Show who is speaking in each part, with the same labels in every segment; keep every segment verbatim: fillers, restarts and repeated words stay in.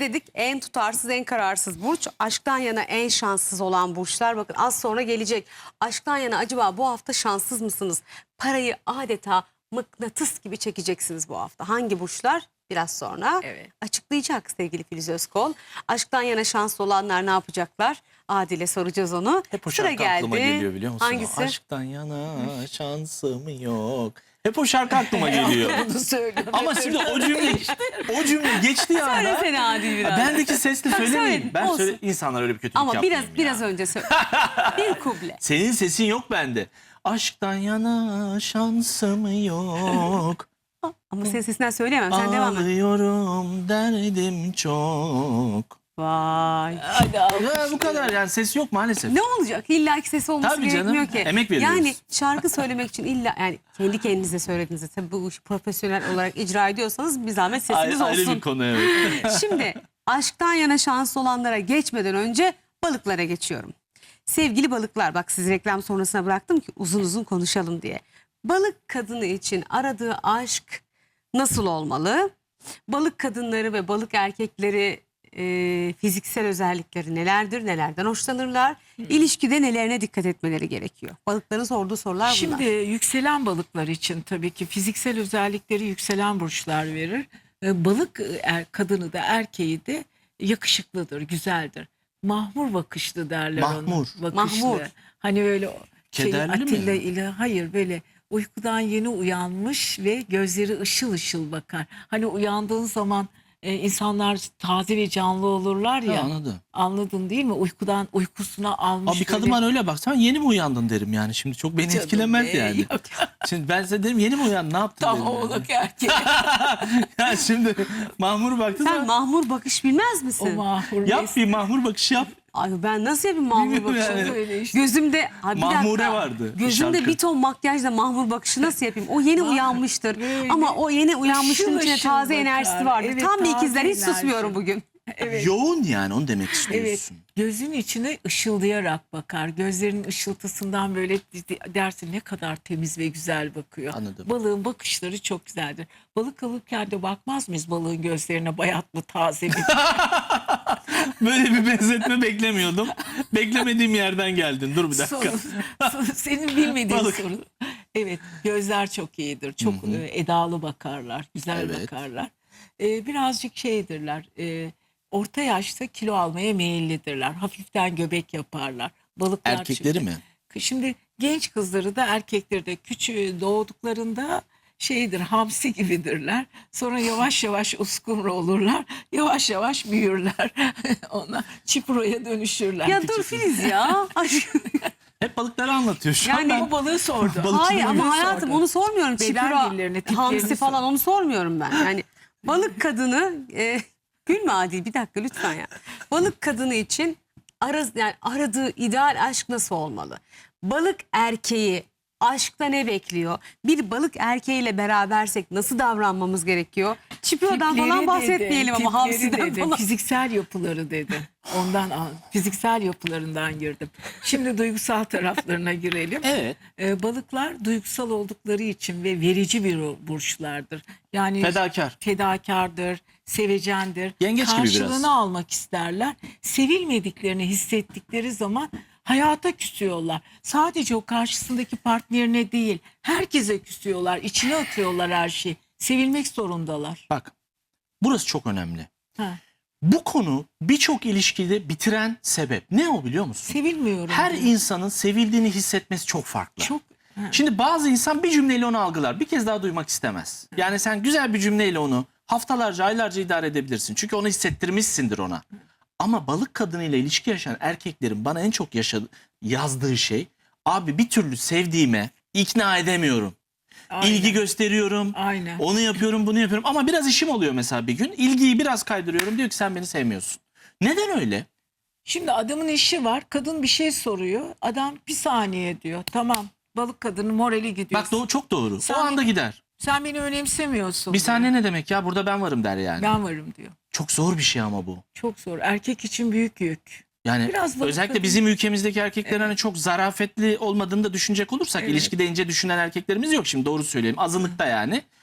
Speaker 1: dedik? En tutarsız, en kararsız burç. Aşktan yana en şanssız olan burçlar. Bakın az sonra gelecek. Aşktan yana acaba bu hafta şanssız mısınız? Parayı adeta mıknatıs gibi çekeceksiniz bu hafta. Hangi burçlar? Biraz sonra
Speaker 2: Evet.
Speaker 1: açıklayacak sevgili Filiz Özkol. Aşktan yana şanslı olanlar ne yapacaklar? Adil'e soracağız onu.
Speaker 3: Hep o
Speaker 1: Sıra
Speaker 3: şarkı
Speaker 1: geldi.
Speaker 3: aklıma geliyor biliyor musun?
Speaker 1: Hangisi?
Speaker 3: Aşktan yana şansım yok. Hep o şarkı aklıma geliyor.
Speaker 2: Bunu söylüyorum.
Speaker 3: Ama şimdi o cümle o cümle geçti ya.
Speaker 1: Söylesene Adil biraz.
Speaker 3: Bendeki sesle söylemeyeyim.
Speaker 1: söyle,
Speaker 3: Ben
Speaker 1: olsun.
Speaker 3: söyle insanlar öyle bir kötülük
Speaker 1: Ama biraz
Speaker 3: yapmayayım ya.
Speaker 1: biraz önce söyle. Bir kuble.
Speaker 3: Senin sesin yok bende. Aşktan yana şansım yok.
Speaker 1: Ama senin sesinden söyleyemem. Sen devam et.
Speaker 3: Ağlıyorum derdim çok.
Speaker 1: Vay.
Speaker 2: Hadi al.
Speaker 3: Ya bu kadar yani ses yok maalesef.
Speaker 1: Ne olacak? İlla ki sesi olması
Speaker 3: Tabii canım,
Speaker 1: gerekmiyor ki.
Speaker 3: emek veriyoruz.
Speaker 1: Yani şarkı söylemek için illa yani kendi kendinize söylediğinizde tabii bu işi profesyonel olarak icra ediyorsanız bir zahmet sesiniz
Speaker 3: Ayrı, ayrı
Speaker 1: olsun.
Speaker 3: bir konu evet.
Speaker 1: Şimdi aşktan yana şanslı olanlara geçmeden önce balıklara geçiyorum. Sevgili balıklar, bak sizi reklam sonrasına bıraktım ki uzun uzun konuşalım diye. Balık kadını için aradığı aşk nasıl olmalı? Balık kadınları ve balık erkekleri e, fiziksel özellikleri nelerdir? Nelerden hoşlanırlar? İlişkide nelerine dikkat etmeleri gerekiyor? Balıkların sorduğu sorular bunlar.
Speaker 2: Şimdi yükselen balıklar için tabii ki fiziksel özellikleri yükselen burçlar verir. Ee, Balık er, kadını da erkeği de yakışıklıdır, güzeldir. Mahmur bakışlı derler
Speaker 3: Mahmur.
Speaker 2: ona. Bakışlı.
Speaker 1: Mahmur.
Speaker 2: Hani böyle o şey,
Speaker 3: Kederli mi?
Speaker 2: Atilla ile hayır böyle uykudan yeni uyanmış ve gözleri ışıl ışıl bakar. Hani uyandığın zaman e, insanlar taze ve canlı olurlar ya.
Speaker 3: Ha, anladım.
Speaker 2: Anladın değil mi? Uykudan uykusuna almış.
Speaker 3: Abi bir
Speaker 2: böyle-
Speaker 3: kadın öyle baksan yeni mi uyandın derim yani. Şimdi çok beni
Speaker 2: Canım
Speaker 3: etkilemez
Speaker 2: be,
Speaker 3: yani.
Speaker 2: yok.
Speaker 3: Şimdi ben size derim yeni mi uyandın ne yaptın
Speaker 2: Tam
Speaker 3: derim. yani.
Speaker 2: oğlak erkek.
Speaker 3: Ya şimdi mahmur baktın
Speaker 1: Sen
Speaker 3: sen
Speaker 1: mahmur bakış bilmez
Speaker 2: O
Speaker 1: misin?
Speaker 2: mahmur.
Speaker 3: yap bir mahmur bakış yap.
Speaker 1: Ay ben nasıl yapayım mahmur
Speaker 3: Bilmiyorum
Speaker 1: bakışı?
Speaker 3: yani.
Speaker 2: Öyle işte.
Speaker 1: Gözümde Ay bir
Speaker 3: Mahmure
Speaker 1: dakika.
Speaker 3: vardı bir
Speaker 1: Gözümde
Speaker 3: şarkı.
Speaker 1: bir ton makyajla mahmur bakışı nasıl yapayım? O yeni uyanmıştır.
Speaker 2: böyle
Speaker 1: Ama o yeni uyanmışlığın
Speaker 2: ışıl
Speaker 1: içine
Speaker 2: ışıl
Speaker 1: taze
Speaker 2: bakar.
Speaker 1: enerjisi vardır.
Speaker 2: Evet,
Speaker 1: Tam bir
Speaker 2: taze
Speaker 1: ikizler hiç
Speaker 2: enerji.
Speaker 1: susmuyorum bugün.
Speaker 2: Evet.
Speaker 3: Yoğun yani onu demek
Speaker 2: Evet,
Speaker 3: istiyorsun.
Speaker 2: gözün içine ışıldayarak bakar. Gözlerinin ışıltısından böyle dersin ne kadar temiz ve güzel bakıyor.
Speaker 3: Anladım.
Speaker 2: Balığın bakışları çok güzeldir. Balık alırken de bakmaz mıyız balığın gözlerine bayat mı taze mi?
Speaker 3: Böyle bir benzetme beklemiyordum. Beklemediğim yerden geldin. Dur bir dakika.
Speaker 2: Soru- soru- senin bilmediğin
Speaker 3: Balık.
Speaker 2: soru. Evet, gözler çok iyidir. Çok
Speaker 3: Hı hı.
Speaker 2: e, edalı bakarlar, güzel
Speaker 3: Evet.
Speaker 2: bakarlar. E, birazcık şeydirler. E, orta yaşta kilo almaya meyillidirler. Hafiften göbek yaparlar. Balıklar
Speaker 3: Erkekleri
Speaker 2: çünkü.
Speaker 3: mi?
Speaker 2: Şimdi genç kızları da erkekleri de küçüğü doğduklarında şeydir, hamsi gibidirler. Sonra yavaş yavaş uskumru olurlar. Yavaş yavaş büyürler. Ona çiproya dönüşürler.
Speaker 1: Ya dur Filiz ya. Ay,
Speaker 3: Hep balıkları anlatıyor şu
Speaker 1: Yani-
Speaker 3: an.
Speaker 2: O balığı sordu.
Speaker 3: Balık-
Speaker 1: Hayır ama
Speaker 2: Balığı
Speaker 1: hayatım
Speaker 2: sordu.
Speaker 1: onu sormuyorum.
Speaker 2: Beden
Speaker 1: Çipura,
Speaker 2: dillerini, tiplerini
Speaker 1: hamsi
Speaker 2: sor.
Speaker 1: falan onu sormuyorum ben. Yani balık kadını e, gülme Adil bir dakika lütfen ya. Balık kadını için araz, yani aradığı ideal aşk nasıl olmalı? Balık erkeği aşkta ne bekliyor? Bir balık erkeğiyle berabersek nasıl davranmamız gerekiyor? Çipura'dan
Speaker 2: Tipleri
Speaker 1: falan
Speaker 2: dedi,
Speaker 1: bahsetmeyelim ama
Speaker 2: tipleri
Speaker 1: hamsiden
Speaker 2: dedi,
Speaker 1: falan.
Speaker 2: fiziksel yapıları dedi. Ondan al- fiziksel yapılarından girdim. Şimdi duygusal taraflarına girelim.
Speaker 3: Evet.
Speaker 2: Ee, balıklar duygusal oldukları için ve verici bir burçlardır. Yani
Speaker 3: Fedakar.
Speaker 2: fedakardır, sevecendir.
Speaker 3: Yengeç gibi biraz.
Speaker 2: Karşılığını almak isterler. Sevilmediklerini hissettikleri zaman hayata küsüyorlar. Sadece o karşısındaki partnerine değil, herkese küsüyorlar. İçine atıyorlar her şeyi. Sevilmek zorundalar.
Speaker 3: Bak burası çok önemli.
Speaker 2: Ha.
Speaker 3: Bu konu birçok ilişkide bitiren sebep. Ne o biliyor musun?
Speaker 2: Sevilmiyorum.
Speaker 3: Her
Speaker 2: diyor.
Speaker 3: insanın sevildiğini hissetmesi çok farklı.
Speaker 2: çok ha.
Speaker 3: Şimdi bazı insan bir cümleyle onu algılar. Bir kez daha duymak istemez. Yani sen güzel bir cümleyle onu haftalarca, aylarca idare edebilirsin. Çünkü onu hissettirmişsindir ona. Ama balık kadınıyla ilişki yaşayan erkeklerin bana en çok yaşadığı, yazdığı şey, abi bir türlü sevdiğime ikna edemiyorum.
Speaker 2: Aynen.
Speaker 3: İlgi gösteriyorum.
Speaker 2: Aynen.
Speaker 3: Onu yapıyorum, bunu yapıyorum. Ama biraz işim oluyor mesela bir gün. İlgiyi biraz kaydırıyorum. Diyor ki sen beni sevmiyorsun. Neden öyle?
Speaker 2: Şimdi adamın işi var. Kadın bir şey soruyor. Adam bir saniye diyor. Tamam. Balık kadının morali gidiyor.
Speaker 3: Bak doğru, çok doğru.
Speaker 2: Sen
Speaker 3: o anda
Speaker 2: beni-
Speaker 3: gider.
Speaker 2: Sen beni önemsemiyorsun.
Speaker 3: Bir
Speaker 2: diyor.
Speaker 3: saniye ne demek ya? Burada ben varım der yani.
Speaker 2: Ben varım diyor.
Speaker 3: Çok zor bir şey ama bu.
Speaker 2: Çok zor. Erkek için büyük yük.
Speaker 3: Yani
Speaker 2: Biraz balık
Speaker 3: özellikle
Speaker 2: kadın-
Speaker 3: bizim ülkemizdeki erkeklerin hani çok zarafetli olmadığını da düşünecek olursak
Speaker 2: Evet.
Speaker 3: ilişkide ince düşünen erkeklerimiz yok şimdi doğru söyleyeyim. Azınlıkta yani.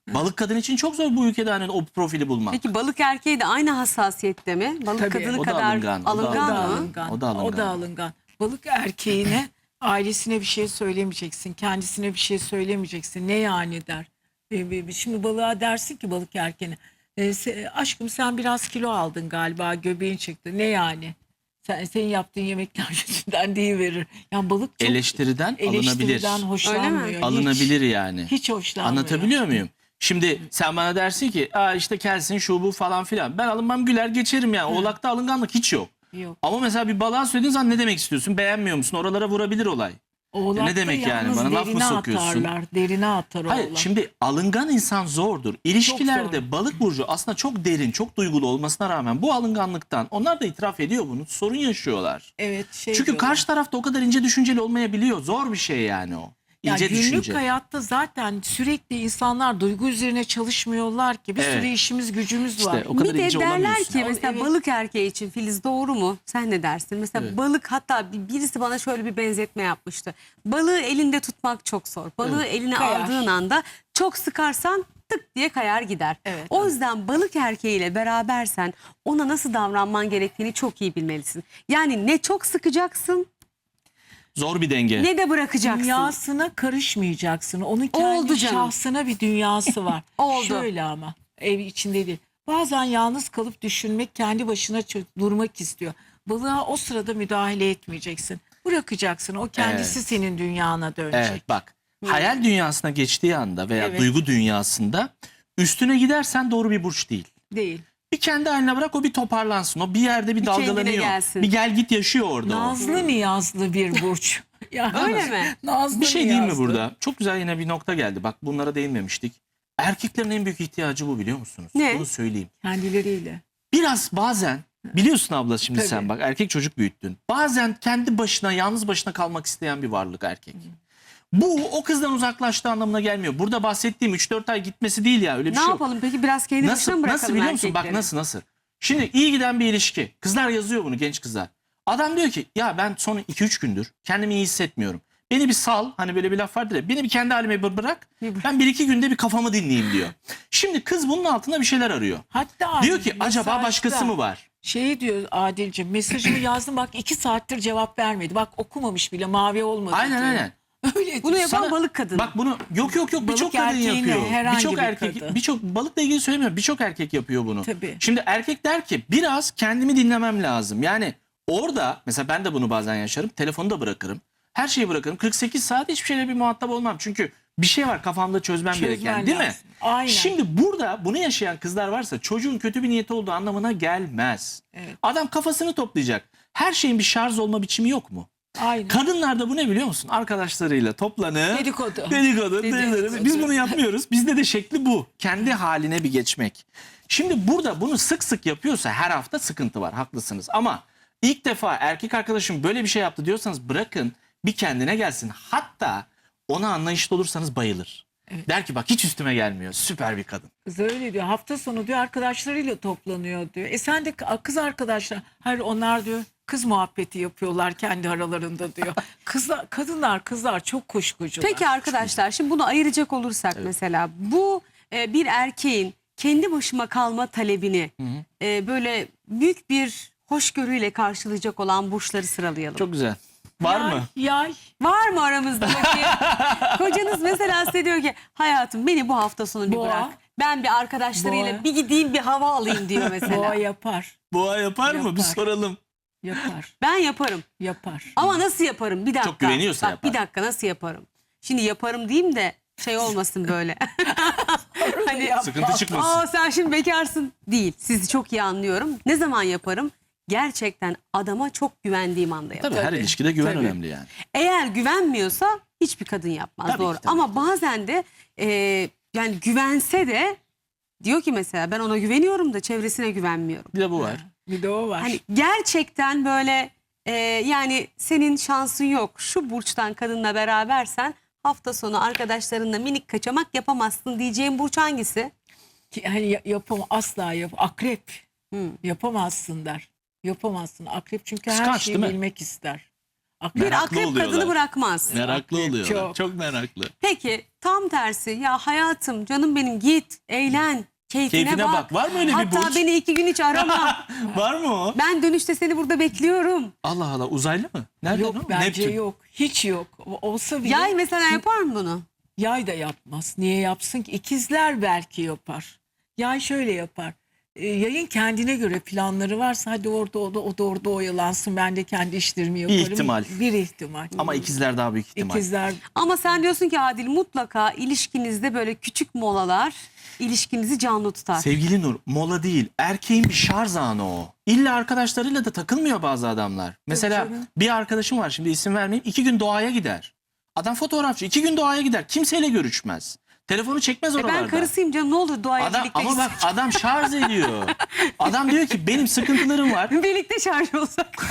Speaker 3: Balık kadın için çok zor bu ülkede hani o profili bulmak.
Speaker 1: Peki balık erkeği de aynı hassasiyette mi? Balık
Speaker 2: Tabii.
Speaker 1: kadını
Speaker 3: O da
Speaker 1: kadar
Speaker 3: alıngan, o da
Speaker 1: alıngan,
Speaker 2: O da
Speaker 1: mı?
Speaker 2: alıngan.
Speaker 3: O da alıngan.
Speaker 2: O da alıngan. Balık erkeğine ailesine bir şey söylemeyeceksin. Kendisine bir şey söylemeyeceksin. Ne yani der. E, e, Şimdi balığa dersin ki balık erkeğine. E, se- aşkım sen biraz kilo aldın galiba. Göbeğin çıktı. Ne yani? Sen, senin yaptığın yemekler yüzünden deyiverir. Yani balık çok
Speaker 3: Eleştiriden alınabilir.
Speaker 2: eleştiriden hoşlanmıyor. Hiç-
Speaker 3: Alınabilir yani.
Speaker 2: Hiç hoşlanmıyor.
Speaker 3: Anlatabiliyor muyum? Şimdi sen bana dersin ki aa işte kelsin şu bu falan filan. Ben alınmam güler geçerim yani. Oğlakta alınganlık hiç yok.
Speaker 2: Yok.
Speaker 3: Ama mesela bir balığa söylediğin zaman ne demek istiyorsun? Beğenmiyor musun? Oralara vurabilir olay.
Speaker 2: Oğlakta
Speaker 3: ne demek yani?
Speaker 2: yalnız
Speaker 3: Bana laf mı
Speaker 2: derine
Speaker 3: sokuyorsun?
Speaker 2: Atarlar, derine atar
Speaker 3: Hayır
Speaker 2: oğlak.
Speaker 3: şimdi alıngan insan zordur. İlişkilerde
Speaker 2: zor.
Speaker 3: balık burcu aslında çok derin, çok duygulu olmasına rağmen bu alınganlıktan onlar da itiraf ediyor bunu. Sorun yaşıyorlar.
Speaker 2: Evet, şey
Speaker 3: Çünkü
Speaker 2: diyorlar.
Speaker 3: karşı tarafta o kadar ince düşünceli olmayabiliyor. Zor bir şey yani o.
Speaker 2: Ya
Speaker 3: İnce
Speaker 2: günlük
Speaker 3: düşünce.
Speaker 2: hayatta zaten sürekli insanlar duygu üzerine çalışmıyorlar ki. Bir
Speaker 3: Evet.
Speaker 2: sürü işimiz gücümüz
Speaker 3: İşte
Speaker 2: var.
Speaker 3: o kadar
Speaker 1: Bir de
Speaker 3: ince
Speaker 1: derler
Speaker 3: olamıyorsun.
Speaker 1: ki mesela
Speaker 2: Evet.
Speaker 1: balık erkeği için Filiz doğru mu? Sen ne dersin? Mesela
Speaker 3: Evet.
Speaker 1: balık hatta bir- birisi bana şöyle bir benzetme yapmıştı. Balığı elinde tutmak çok zor. Balığı eline
Speaker 2: Kayar.
Speaker 1: aldığın anda çok sıkarsan tık diye kayar gider.
Speaker 2: Evet.
Speaker 1: O yüzden balık erkeğiyle berabersen ona nasıl davranman gerektiğini çok iyi bilmelisin. Yani ne çok sıkacaksın
Speaker 3: Zor bir denge.
Speaker 1: ne de bırakacaksın.
Speaker 2: Dünyasına karışmayacaksın. Onun kendi
Speaker 1: Oldu canım.
Speaker 2: şahsına bir dünyası var.
Speaker 1: Oldu.
Speaker 2: Şöyle ama ev içinde değil. Bazen yalnız kalıp düşünmek, kendi başına çö- durmak istiyor. Balığa o sırada müdahale etmeyeceksin. Bırakacaksın. O kendisi
Speaker 3: Evet.
Speaker 2: senin dünyana dönecek.
Speaker 3: Evet bak. Hayal dünyasına geçtiği anda veya
Speaker 2: Evet.
Speaker 3: duygu dünyasında üstüne gidersen doğru bir burç değil.
Speaker 2: Değil.
Speaker 3: Bir kendi haline bırak o bir toparlansın. O bir yerde bir,
Speaker 1: Bir kendine
Speaker 3: dalgalanıyor.
Speaker 1: gelsin.
Speaker 3: Bir gel git yaşıyor orada o.
Speaker 2: Nazlı niyazlı bir burç. Yani,
Speaker 1: Öyle mi?
Speaker 2: Nazlı
Speaker 3: Bir şey değil mi
Speaker 2: niyazlı.
Speaker 3: burada? Çok güzel yine bir nokta geldi. Bak bunlara değinmemiştik. Erkeklerin en büyük ihtiyacı bu biliyor musunuz?
Speaker 1: Ne?
Speaker 3: Bunu söyleyeyim.
Speaker 2: Kendileriyle.
Speaker 3: Biraz bazen biliyorsun abla şimdi
Speaker 2: Tabii.
Speaker 3: sen bak erkek çocuk büyüttün. Bazen kendi başına yalnız başına kalmak isteyen bir varlık erkek. Bu o kızdan uzaklaştığı anlamına gelmiyor. Burada bahsettiğim üç dört ay gitmesi değil ya öyle bir
Speaker 1: Ne
Speaker 3: şey yok.
Speaker 1: yapalım peki biraz kendi başına
Speaker 3: Nasıl,
Speaker 1: mı bırakalım
Speaker 3: nasıl biliyor musun? Bak
Speaker 1: erkekleri?
Speaker 3: nasıl nasıl. Şimdi iyi giden bir ilişki. Kızlar yazıyor bunu genç kızlar. Adam diyor ki ya ben son iki üç gündür kendimi iyi hissetmiyorum. Beni bir sal hani böyle bir laf vardır ya. Beni bir kendi halime bir bırak.
Speaker 1: Bir bırak.
Speaker 3: Ben bir iki günde bir kafamı dinleyeyim diyor. Şimdi kız bunun altında bir şeyler arıyor.
Speaker 2: Hatta
Speaker 3: Diyor ki acaba
Speaker 2: mesajda
Speaker 3: başkası mı var?
Speaker 2: Şey diyor Adil'ciğim, mesajımı yazdım bak iki saattir cevap vermedi. Bak okumamış bile, mavi olmadı
Speaker 3: Aynen
Speaker 2: diyor.
Speaker 3: aynen.
Speaker 2: Öyle
Speaker 1: Bunu
Speaker 2: diyor.
Speaker 1: yapan
Speaker 3: Sana-
Speaker 1: balık kadın.
Speaker 3: Bak bunu yok yok yok
Speaker 2: Balık
Speaker 3: birçok kadın
Speaker 2: erkeğine,
Speaker 3: yapıyor.
Speaker 2: herhangi
Speaker 3: Birçok
Speaker 2: bir
Speaker 3: erkek
Speaker 2: kadın.
Speaker 3: birçok balıkla ilgili söylemiyorum. Birçok erkek yapıyor bunu.
Speaker 2: Tabii.
Speaker 3: Şimdi erkek der ki biraz kendimi dinlemem lazım. Yani orada mesela ben de bunu bazen yaşarım. Telefonu da bırakırım. Her şeyi bırakırım. kırk sekiz saat hiçbir şeyle bir muhatap olmam. Çünkü bir şey var kafamda çözmem
Speaker 2: Çözmen
Speaker 3: gereken değil mi?
Speaker 2: lazım. Aynen.
Speaker 3: Şimdi burada bunu yaşayan kızlar varsa çocuğun kötü bir niyeti olduğu anlamına gelmez.
Speaker 2: Evet.
Speaker 3: Adam kafasını toplayacak. Her şeyin bir şarj olma biçimi yok mu?
Speaker 2: Aynen.
Speaker 3: Kadınlarda bu ne biliyor musun? Arkadaşlarıyla toplanıp
Speaker 2: Dedikodu.
Speaker 3: Dedikodu.
Speaker 2: Dedikodu.
Speaker 3: dedikodu. Biz bunu yapmıyoruz. Bizde de şekli bu. Kendi haline bir geçmek. Şimdi burada bunu sık sık yapıyorsa her hafta sıkıntı var. Haklısınız. Ama ilk defa erkek arkadaşım böyle bir şey yaptı diyorsanız bırakın bir kendine gelsin. Hatta ona anlayışlı olursanız bayılır.
Speaker 2: Evet.
Speaker 3: Der ki bak hiç üstüme gelmiyor. Süper bir kadın.
Speaker 2: Kız öyle diyor. Hafta sonu diyor arkadaşlarıyla toplanıyor diyor. E sen de kız arkadaşlar. Hayır onlar diyor kız muhabbeti yapıyorlar kendi aralarında diyor. Kızlar, kadınlar kızlar çok kuşkucular.
Speaker 1: Peki arkadaşlar şimdi bunu ayıracak olursak mesela bu e, bir erkeğin kendi başıma kalma talebini e, böyle büyük bir hoşgörüyle karşılayacak olan burçları sıralayalım.
Speaker 3: Çok güzel. Var
Speaker 2: Yay,
Speaker 3: mı?
Speaker 2: Yay.
Speaker 1: Var mı aramızda bakayım? Kocanız mesela size diyor ki hayatım beni bu hafta sonu bir
Speaker 2: Boğa.
Speaker 1: bırak. Ben bir arkadaşlarıyla
Speaker 2: Boğa.
Speaker 1: bir gideyim bir hava alayım diyor mesela.
Speaker 2: Boğa yapar.
Speaker 3: Boğa yapar mı? Bir
Speaker 2: Yapar.
Speaker 3: soralım.
Speaker 2: Yapar.
Speaker 1: Ben yaparım.
Speaker 2: Yapar.
Speaker 1: Ama nasıl yaparım? Bir dakika.
Speaker 3: Çok güveniyorsa
Speaker 1: Bak,
Speaker 3: yapar.
Speaker 1: Bir dakika nasıl yaparım? Şimdi yaparım diyeyim de şey olmasın böyle. hani
Speaker 2: Yapar.
Speaker 3: Sıkıntı çıkmasın.
Speaker 1: aa sen şimdi bekarsın değil. Sizi çok iyi anlıyorum. Ne zaman yaparım? Gerçekten adama çok güvendiğim anda yaparım.
Speaker 3: Tabii her
Speaker 2: Tabii,
Speaker 3: ilişkide güven
Speaker 2: tabii.
Speaker 3: önemli yani.
Speaker 1: Eğer güvenmiyorsa hiçbir kadın yapmaz
Speaker 3: Tabii ki,
Speaker 1: doğru.
Speaker 3: tabii
Speaker 1: Ama
Speaker 3: ki.
Speaker 1: bazen de e, yani güvense de diyor ki mesela ben ona güveniyorum da çevresine güvenmiyorum.
Speaker 3: Bir de bu var.
Speaker 2: Bir de o var.
Speaker 1: Hani gerçekten böyle e, yani senin şansın yok. Şu burçtan kadınla berabersen hafta sonu arkadaşlarınla minik kaçamak yapamazsın diyeceğim burç hangisi?
Speaker 2: Ki hani ya- yapam asla yap akrep
Speaker 1: Hmm.
Speaker 2: yapamazsın der. Yapamazsın akrep çünkü her
Speaker 3: Kıskanç,
Speaker 2: şeyi
Speaker 3: değil mi?
Speaker 2: bilmek ister. Aklı-
Speaker 1: Bir
Speaker 3: Meraklı
Speaker 1: akrep
Speaker 3: oluyorlar.
Speaker 1: kadını bırakmaz.
Speaker 3: Meraklı oluyorlar. Çok.
Speaker 2: Çok.
Speaker 3: meraklı.
Speaker 1: Peki tam tersi, ya hayatım canım benim git eğlen keyfine,
Speaker 3: Keyfine
Speaker 1: bak.
Speaker 3: bak. Var mı öyle bir
Speaker 1: Hatta
Speaker 3: burç?
Speaker 1: beni iki gün hiç arama.
Speaker 3: Var mı o?
Speaker 1: Ben dönüşte seni burada bekliyorum.
Speaker 3: Allah Allah, uzaylı mı? Nereden
Speaker 2: Yok
Speaker 3: o?
Speaker 2: bence
Speaker 3: Neptün.
Speaker 2: yok. Hiç yok. O- Olsa bile
Speaker 1: Yay mesela yapar mı bunu?
Speaker 2: yay da yapmaz. Niye yapsın ki? İkizler belki yapar. Yay şöyle yapar. E, yayın kendine göre planları varsa hadi orada o da, o da orada oyalansın. Ben de kendi işlerimi yaparım.
Speaker 3: ihtimal.
Speaker 2: Bir ihtimal.
Speaker 3: Ama ikizler daha büyük ihtimal.
Speaker 2: İkizler
Speaker 1: Ama sen diyorsun ki Adil, mutlaka ilişkinizde böyle küçük molalar ilişkinizi canlı tutar.
Speaker 3: Sevgili Nur, mola değil, erkeğin bir şarj anı o. İlla arkadaşlarıyla da takılmıyor bazı adamlar. Mesela
Speaker 2: canım.
Speaker 3: bir arkadaşım var, şimdi isim vermeyeyim, iki gün doğaya gider. Adam fotoğrafçı, iki gün doğaya gider. Kimseyle görüşmez. Telefonu çekmez
Speaker 1: E
Speaker 3: oralarda.
Speaker 1: ben karısıyım canım, ne olur doğaya
Speaker 3: Adam,
Speaker 1: birlikte
Speaker 3: ama bak adam şarj ediyor. Adam diyor ki benim sıkıntılarım var.
Speaker 1: birlikte şarj olsak.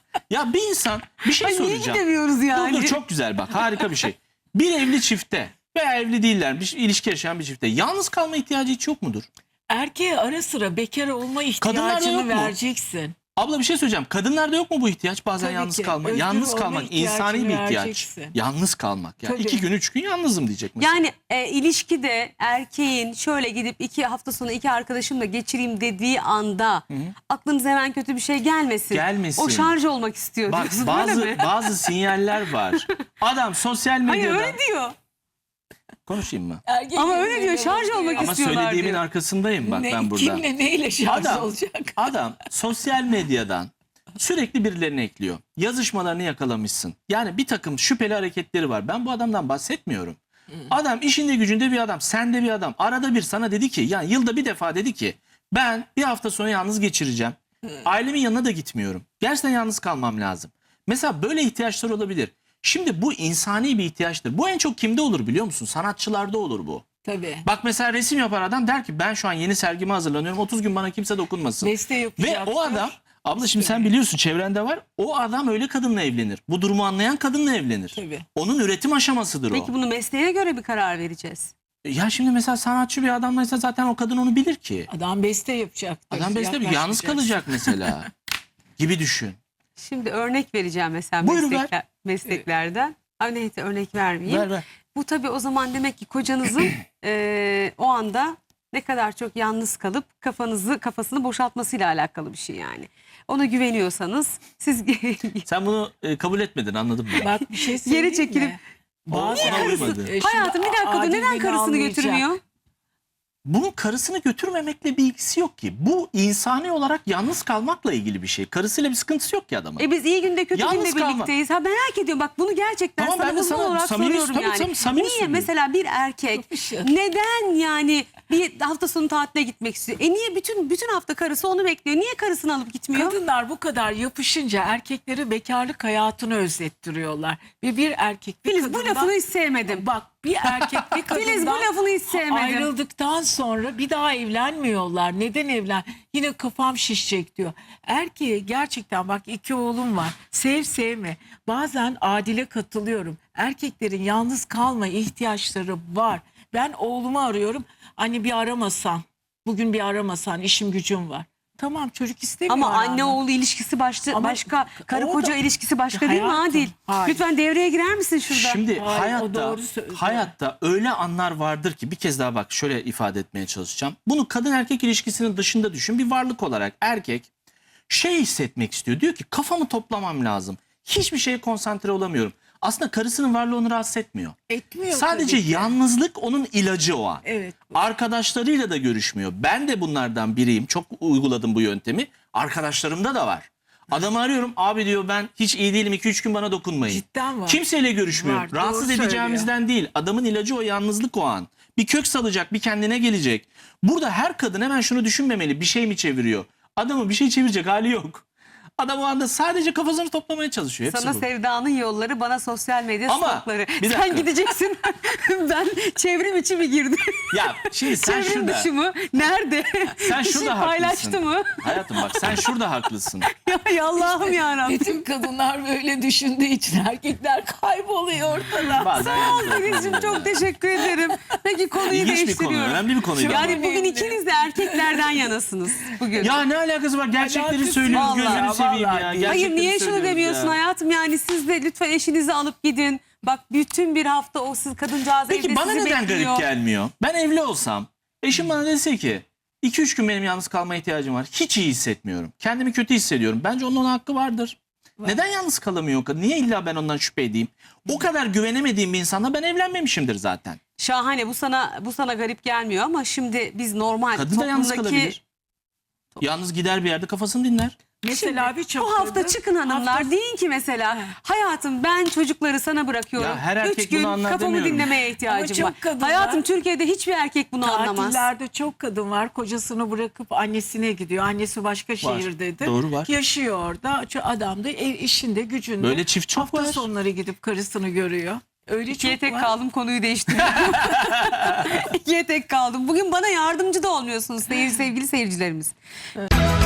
Speaker 3: Ya bir insan bir şey
Speaker 1: Ay, niye
Speaker 3: soracağım.
Speaker 1: gidemiyoruz yani?
Speaker 3: Dur dur, çok güzel bak, harika bir şey. Bir evli çifte veya evli değiller bir ilişki yaşayan bir çifte yalnız kalma ihtiyacı hiç yok mudur?
Speaker 2: erkeğe ara sıra bekar olma
Speaker 3: Kadınlarda yok
Speaker 2: ihtiyacını
Speaker 3: mu?
Speaker 2: vereceksin.
Speaker 3: Abla bir şey söyleyeceğim. Kadınlarda yok mu bu ihtiyaç? Bazen
Speaker 2: Tabii
Speaker 3: yalnız
Speaker 2: ki.
Speaker 3: kalmak.
Speaker 2: Özgür
Speaker 3: Yalnız
Speaker 2: olma
Speaker 3: kalmak
Speaker 2: ihtiyacını
Speaker 3: insani bir ihtiyaç.
Speaker 2: vereceksin.
Speaker 3: Yalnız kalmak. Ya
Speaker 2: Tabii.
Speaker 3: iki gün üç gün yalnızım diyecek mesela.
Speaker 1: Yani e, ilişkide erkeğin şöyle gidip iki hafta sonu iki arkadaşımla geçireyim dediği anda aklınıza hemen kötü bir şey gelmesin.
Speaker 3: Gelmesin.
Speaker 1: O şarj olmak istiyor
Speaker 3: Bak
Speaker 1: diyorsun,
Speaker 3: bazı
Speaker 1: öyle mi?
Speaker 3: bazı sinyaller var. Adam sosyal
Speaker 1: Hayır
Speaker 3: medyada
Speaker 1: öyle diyor.
Speaker 3: konuşayım mı?
Speaker 2: Erkek
Speaker 1: Ama öyle
Speaker 2: gözüyle
Speaker 1: diyor, şarj
Speaker 2: bakıyor.
Speaker 1: olmak
Speaker 3: Ama
Speaker 1: istiyorlar
Speaker 3: söylediğimin
Speaker 1: diyor.
Speaker 3: arkasındayım bak
Speaker 2: Ne,
Speaker 3: ben burada.
Speaker 2: Kimle neyle şarj
Speaker 3: Adam,
Speaker 2: olacak?
Speaker 3: adam sosyal medyadan sürekli birilerini ekliyor. Yazışmalarını yakalamışsın. Yani bir takım şüpheli hareketleri var. Ben bu adamdan bahsetmiyorum. Adam işinde gücünde bir adam, sende bir adam. Arada bir sana dedi ki, yani yılda bir defa dedi ki ben bir hafta sonu yalnız geçireceğim. Ailemin yanına da gitmiyorum. Gerçekten yalnız kalmam lazım. Mesela böyle ihtiyaçlar olabilir. Şimdi bu insani bir ihtiyaçtır. Bu en çok kimde olur biliyor musun? Sanatçılarda olur bu.
Speaker 2: Tabii.
Speaker 3: Bak mesela resim yapar adam, der ki ben şu an yeni sergime hazırlanıyorum. otuz gün bana kimse dokunmasın.
Speaker 2: Beste
Speaker 3: Ve
Speaker 2: yapacaktır.
Speaker 3: o adam, abla şimdi sen biliyorsun çevrende var. O adam öyle kadınla evlenir. Bu durumu anlayan kadınla evlenir.
Speaker 2: Tabii.
Speaker 3: Onun üretim aşamasıdır o.
Speaker 1: Peki bunu mesleğe göre bir karar vereceğiz.
Speaker 3: Ya şimdi mesela sanatçı bir adamlaysa zaten o kadın onu bilir ki.
Speaker 2: Adam beste yapacaktır.
Speaker 3: Adam beste bir yalnız
Speaker 2: yaklaşmayacaksın.
Speaker 3: kalacak mesela. Gibi düşün.
Speaker 1: Şimdi örnek vereceğim mesela
Speaker 3: Buyur, ver.
Speaker 1: meslekler, mesleklerden. Ay neyse örnek vermeyeyim.
Speaker 3: Ver ver.
Speaker 1: Bu tabii o zaman demek ki kocanızın eee, o anda ne kadar çok yalnız kalıp kafanızı kafasını boşaltmasıyla alakalı bir şey yani. Ona güveniyorsanız siz
Speaker 3: Sen bunu e, kabul etmedin, anladım ben.
Speaker 2: Bak bir şey söyleyeyim
Speaker 1: Geri çekilip-
Speaker 2: mi? Bazı
Speaker 3: Ona uymadı.
Speaker 2: E, şimdi
Speaker 1: hayatım bir dakika dur,
Speaker 2: Adil
Speaker 1: neden
Speaker 2: beni
Speaker 1: karısını
Speaker 2: anlayacak.
Speaker 1: götürmüyor?
Speaker 3: Bunun karısını götürmemekle bir ilgisi yok ki. Bu insani olarak yalnız kalmakla ilgili bir şey. Karısıyla bir sıkıntısı yok ki adamın.
Speaker 1: E biz iyi günde kötü
Speaker 3: Yalnız
Speaker 1: günde
Speaker 3: kalma.
Speaker 1: birlikteyiz. Ha merak ediyorum bak, bunu gerçekten
Speaker 3: Tamam, ben de
Speaker 1: sana uzman
Speaker 3: sana
Speaker 1: olarak
Speaker 3: samimi-
Speaker 1: soruyorum
Speaker 3: tabii,
Speaker 1: yani.
Speaker 3: tabii, samimi
Speaker 1: Niye
Speaker 3: söylüyorum.
Speaker 1: mesela bir erkek
Speaker 2: Yapışır.
Speaker 1: neden yani bir hafta sonu tatile gitmek istiyor? E niye bütün bütün hafta karısı onu bekliyor? Niye karısını alıp gitmiyor?
Speaker 2: Kadınlar bu kadar yapışınca erkekleri bekarlık hayatını özlettiriyorlar. Ve bir erkek bir
Speaker 1: Filiz bu
Speaker 2: kadından-
Speaker 1: lafını hiç sevmedim.
Speaker 2: Bak bir erkek bir kadından
Speaker 1: Filiz bu lafını hiç sevmedim.
Speaker 2: ayrıldıktan sonra bir daha evlenmiyorlar. Neden evlen? Yine kafam şişecek diyor. Erkeğe gerçekten bak iki oğlum var. Sev sevme. Bazen Adil'e katılıyorum. Erkeklerin yalnız kalma ihtiyaçları var. Ben oğlumu arıyorum. Anne bir aramasan. Bugün bir aramasan, işim gücüm var. Tamam, çocuk istemiyor.
Speaker 1: Ama
Speaker 2: aranmak.
Speaker 1: anne oğul ilişkisi başka,
Speaker 2: Ama
Speaker 1: başka karı
Speaker 2: orada-
Speaker 1: koca ilişkisi başka değil mi
Speaker 2: Hayatım,
Speaker 1: Adil?
Speaker 2: hayır.
Speaker 1: Lütfen devreye girer misin şurada?
Speaker 3: Şimdi
Speaker 2: Hayır, o
Speaker 3: hayatta
Speaker 2: doğru söylüyor.
Speaker 3: hayatta öyle anlar vardır ki, bir kez daha bak şöyle ifade etmeye çalışacağım. Bunu kadın erkek ilişkisinin dışında düşün. Bir varlık olarak erkek şey hissetmek istiyor. Diyor ki kafamı toplamam lazım. Hiçbir şeye konsantre olamıyorum. Aslında karısının varlığı onu rahatsız etmiyor.
Speaker 2: Etmiyor
Speaker 3: Sadece
Speaker 2: tabii ki.
Speaker 3: yalnızlık onun ilacı o an.
Speaker 2: Evet.
Speaker 3: Arkadaşlarıyla da görüşmüyor. Ben de bunlardan biriyim. Çok uyguladım bu yöntemi. Arkadaşlarımda da var. Adamı arıyorum. Abi diyor ben hiç iyi değilim. iki üç gün bana dokunmayın.
Speaker 2: Cidden var.
Speaker 3: Kimseyle görüşmüyor.
Speaker 2: Var, doğru
Speaker 3: Rahatsız
Speaker 2: söylüyor.
Speaker 3: edeceğimizden değil. Adamın ilacı o yalnızlık o an. Bir kök salacak, bir kendine gelecek. Burada her kadın hemen şunu düşünmemeli. Bir şey mi çeviriyor? Adamın bir şey çevirecek hali yok. Adam o anda sadece kafasını toplamaya çalışıyor. Hepsi
Speaker 1: Sana
Speaker 3: bu.
Speaker 1: sevdanın yolları, bana sosyal medya
Speaker 3: Ama,
Speaker 1: stokları.
Speaker 3: bir
Speaker 1: Sen
Speaker 3: dakika.
Speaker 1: gideceksin. Ben çevrim içi mi girdim?
Speaker 3: Ya şimdi sen
Speaker 1: Çevrim
Speaker 3: şurada.
Speaker 1: dışı mı? Nerede?
Speaker 3: Sen
Speaker 1: Bir şey
Speaker 3: şurada
Speaker 1: paylaştı
Speaker 3: haklısın.
Speaker 1: mı?
Speaker 3: Hayatım bak sen şurada haklısın.
Speaker 1: Ya, ya Allah'ım yarabbim.
Speaker 2: Bütün kadınlar böyle düşündüğü için erkekler kayboluyor ortada.
Speaker 3: Bazen
Speaker 1: Sağ ol
Speaker 3: yalnız
Speaker 1: Filizciğim,
Speaker 3: bırakıyorum.
Speaker 1: çok teşekkür ederim. Peki konuyu
Speaker 3: İlginç bir konu,
Speaker 1: değiştiriyorum.
Speaker 3: önemli bir konuydu.
Speaker 1: Yani bugün ikiniz de erkeklerden yanasınız bugün.
Speaker 3: Ya ne alakası var? Gerçekleri
Speaker 2: Alakası
Speaker 3: söylüyoruz,
Speaker 1: yok.
Speaker 3: gözünü
Speaker 1: Vallahi,
Speaker 3: seveyim seveyim
Speaker 2: Vallahi
Speaker 3: ya.
Speaker 2: değil.
Speaker 3: Gerçekten
Speaker 1: Hayır niye şunu
Speaker 3: söylüyoruz
Speaker 1: demiyorsun
Speaker 3: ya.
Speaker 1: hayatım, yani siz de lütfen eşinizi alıp gidin. Bak bütün bir hafta o siz kadıncağız
Speaker 3: Peki
Speaker 1: evde
Speaker 3: bana
Speaker 1: sizi
Speaker 3: neden
Speaker 1: bekliyor.
Speaker 3: garip gelmiyor? Ben evli olsam eşim bana dese ki iki üç gün benim yalnız kalmaya ihtiyacım var. Hiç iyi hissetmiyorum. Kendimi kötü hissediyorum. Bence onun ona hakkı vardır. Neden yalnız kalamıyor o kadın? Niye illa ben ondan şüphe edeyim? O kadar güvenemediğim bir insanla ben evlenmemişimdir zaten.
Speaker 1: Şahane, bu sana bu sana garip gelmiyor ama şimdi biz normal
Speaker 3: Kadın da yalnız
Speaker 1: toplumdaki
Speaker 3: kalabilir. Yalnız gider bir yerde kafasını dinler.
Speaker 2: Mesela birçok
Speaker 1: bu hafta
Speaker 2: kadın
Speaker 1: çıkın hanımlar,
Speaker 2: hafta-
Speaker 1: deyin ki mesela hayatım ben çocukları sana bırakıyorum.
Speaker 3: Ya her erkek
Speaker 1: Üç gün
Speaker 3: bunu anlar
Speaker 1: kafamı
Speaker 3: demiyorum.
Speaker 1: dinlemeye ihtiyacım
Speaker 2: çok
Speaker 1: var.
Speaker 2: kadınlar-
Speaker 1: Hayatım Türkiye'de hiçbir erkek bunu anlamaz.
Speaker 2: Tatillerde çok kadın var. Kocasını bırakıp annesine gidiyor. Annesi başka şehirdedir.
Speaker 3: Doğru, var.
Speaker 2: Yaşıyor orada. Şu adam da ev işinde, gücünde.
Speaker 3: Böyle çift çok
Speaker 2: Hafta
Speaker 3: var.
Speaker 2: sonları gidip karısını görüyor. Öyle
Speaker 1: İkiye
Speaker 2: çok
Speaker 1: tek
Speaker 2: var.
Speaker 1: kaldım, konuyu değiştiriyorum. İkiye tek kaldım. Bugün bana yardımcı da olmuyorsunuz sevgili, sevgili seyircilerimiz.